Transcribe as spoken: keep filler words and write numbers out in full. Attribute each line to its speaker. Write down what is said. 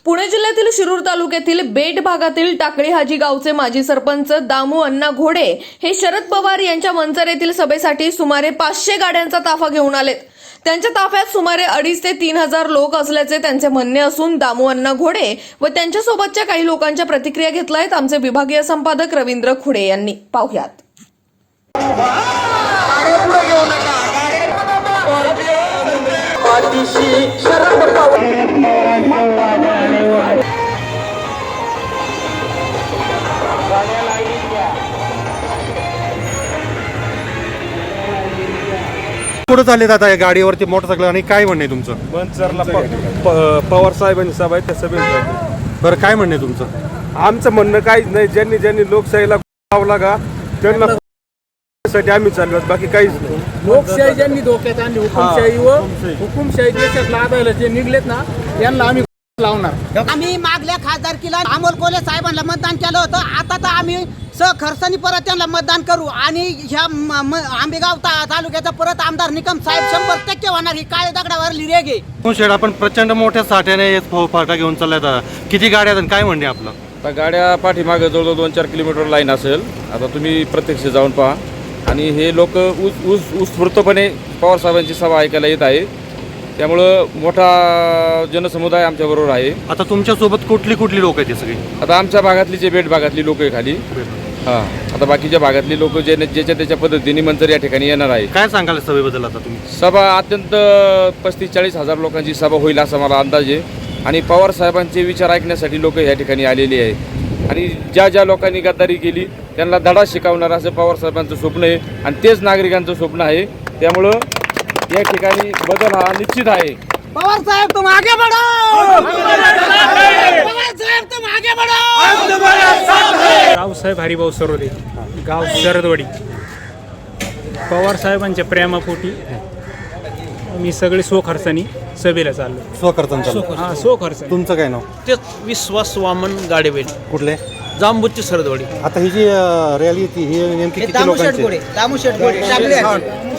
Speaker 1: पुणे जिल्ह्यातील शिरूर तालुक्यातील बेट भागातील टाकळी हाजी गावचे माजी सरपंच दामू अण्णा घोडे हे शरद पवार यांच्या मंचर येथील सभेसाठी सुमारे पाचशे गाड्यांचा ताफा घेऊन आलेत। त्यांच्या ताफ्यात सुमारे अडीच ते तीन हजार लोक असल्याचे त्यांचे म्हणणे असून दामू अण्णा घोडे व त्यांच्यासोबतच्या काही लोकांच्या प्रतिक्रिया घेतल्यात आमचे विभागीय संपादक रवींद्र खुडे यांनी। पाहुयात।
Speaker 2: कुठं चालले आता या गाडीवरती मोटरसायकल आणि काय म्हणणे तुमचं?
Speaker 3: मंचरला पवार साहेबांची सभा आहे त्या सभेत।
Speaker 2: बरं काय म्हणणे तुमचं?
Speaker 3: आमचं म्हणणं काहीच नाही, ज्यांनी ज्यांनी लोकशाहीला लावला का त्यांना साठी आम्ही चाललो, बाकी काहीच नाही।
Speaker 4: लोकशाही ज्यांनी धोक्यात आणली, हुकुमशाही व हुकुमशाही देशात लादायला जे निघलेत ना यांना आम्ही लावणार।
Speaker 5: आम्ही मागल्या खासदारकीला अमोल कोल्हे साहेबांना मतदान केलं होतं, आता तर आम्ही सहखर्सनी परत त्यांना मतदान करू आणि ह्या आंबेगाव ता तालुक्याचा परत आमदार निकम साहेब शंभर टक्के होणार। ही काळे दगडावरली रेग आहे।
Speaker 2: शेड आपण प्रचंड मोठ्या साठ्याने फाटा घेऊन चाललाय, किती गाड्या आहेत काय म्हणणे आपलं?
Speaker 6: आता गाड्या पाठीमागे जवळजवळ दोन चार किलोमीटर लाईन असेल। आता तुम्ही प्रत्यक्ष जाऊन पहा आणि हे लोक ऊस ऊस उत्स्फूर्तपणे पवार साहेबांची सभा ऐकायला येत आहे, त्यामुळं मोठा जनसमुदाय आमच्याबरोबर आहे।
Speaker 2: आता तुमच्यासोबत कुठली कुठली लोक आहेत सगळी?
Speaker 6: आता आमच्या भागातली जे बेट भागातली लोक आहे खाली, हां आता बाकीच्या भागातली लोक जे ज्याच्या त्याच्या पद्धतीने मंचर या ठिकाणी येणार आहे।
Speaker 2: काय सांगाल सभेबद्दल? आता तुम्ही
Speaker 6: सभा अत्यंत पस्तीस चाळीस हजार लोकांची सभा होईल असा मला अंदाज आहे आणि पवार साहेबांचे विचार ऐकण्यासाठी लोक या ठिकाणी आलेली आहे आणि ज्या ज्या लोकांनी गद्दारी केली त्यांना धडा शिकवणार असं पवार साहेबांचं स्वप्न आहे आणि तेच नागरिकांचं स्वप्न आहे। त्यामुळं या ठिकाणी बदल हा निश्चित आहे।
Speaker 5: पवार साहेब तुम आगे बढ़ो, पवार साहेब तुम आगे बढ़ो।
Speaker 4: रावसाहेब हरिभाऊ सरोदे, गाव शरदवाडी। पवार साहेबांच्या प्रेमापोटी मी सगळे स्वखर्चानी सभेला चाललो।
Speaker 2: स्वखर्चांचा?
Speaker 4: हा स्वखर्च।
Speaker 2: तुमचं काय नाव?
Speaker 7: तेच विश्वास वामन गाडेवेल,
Speaker 2: कुठले?
Speaker 7: जांबूची सरदवाडी।
Speaker 2: आता ही जी रॅली ती ही नेमकी किती लोकांची?
Speaker 5: दामू शेठ घोडे, दामू शेठ घोडे